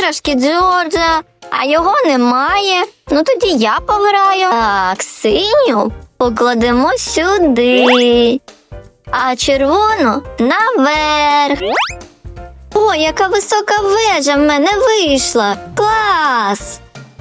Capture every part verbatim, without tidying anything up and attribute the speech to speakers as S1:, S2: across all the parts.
S1: іграшки Джорджа, а його немає. Ну тоді я пограю. Так, синю покладемо сюди, а червону наверх. О, яка висока вежа в мене вийшла. Клас!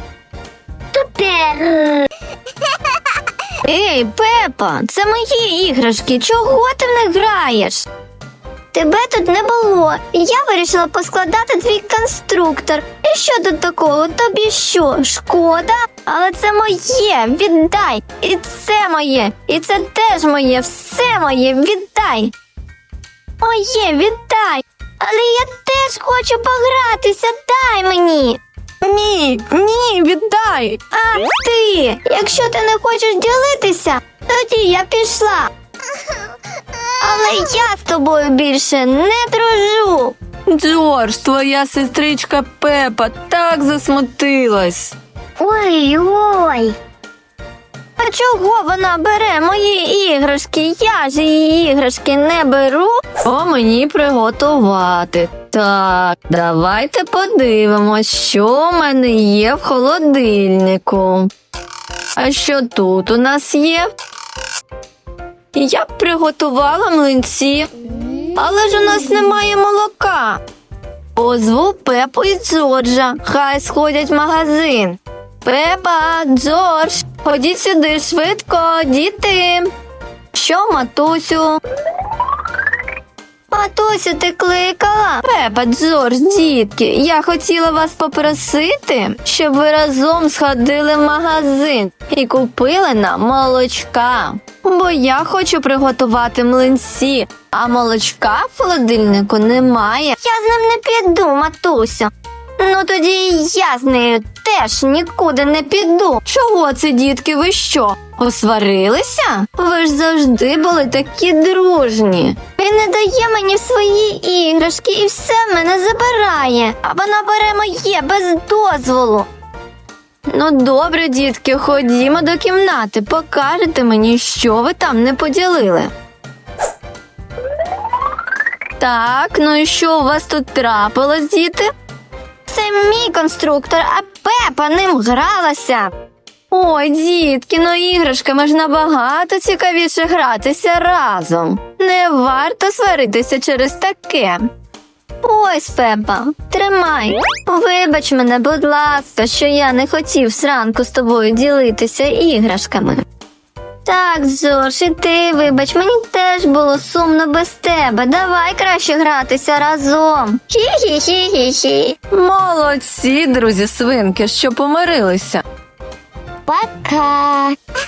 S2: Супер!
S1: Ей, Пепа, це мої іграшки. Чого ти в них граєш? Тебе тут не було, і я вирішила поскладати твій конструктор. І що тут такого? Тобі що, шкода? Але це моє, віддай. І це моє, і це теж моє, все моє, віддай. Моє, віддай. Але я теж хочу погратися, дай мені.
S3: Ні, ні, віддай.
S1: А ти, якщо ти не хочеш ділитися, тоді я пішла. Але я з тобою більше не дружу.
S3: Джордж, твоя сестричка Пепа так засмутилась.
S2: Ой-ой!
S1: А чого вона бере мої іграшки? Я ж її іграшки не беру.
S3: О, мені приготувати. Так, давайте подивимось, що в мене є в холодильнику. А що тут у нас є? Я б приготувала млинці, але ж у нас немає молока. Позву Пепу і Джорджа, хай сходять в магазин. Пепа, Джордж, ходіть сюди швидко, діти. Що, матусю?
S1: Матусю, ти кликала?
S3: Пепа, Джордж, дітки, я хотіла вас попросити, щоб ви разом сходили в магазин і купили нам молочка. Бо я хочу приготувати млинці, а молочка в холодильнику немає.
S1: Я з ним не піду, матусю. Ну тоді і я з нею теж нікуди не піду.
S3: Чого це, дітки, ви що, посварилися? Ви ж завжди були такі дружні.
S1: Він не дає мені свої іграшки і все мене забирає. А вона бере моє без дозволу.
S3: Ну добре, дітки, ходімо до кімнати, покажете мені, що ви там не поділили. Так, ну і що у вас тут трапилось, діти?
S1: Це мій конструктор, а Пепа ним гралася.
S3: Ой, дітки, ну іграшками ж набагато цікавіше гратися разом. Не варто сваритися через таке.
S1: Ось, Пепа, тримай. Вибач мене, будь ласка, що я не хотів зранку з тобою ділитися іграшками. Так, Джордж, і ти, вибач, мені теж було сумно без тебе. Давай краще гратися разом. Хі-хі-хі-хі-хі.
S3: Молодці, друзі-свинки, що помирилися.
S2: Пока!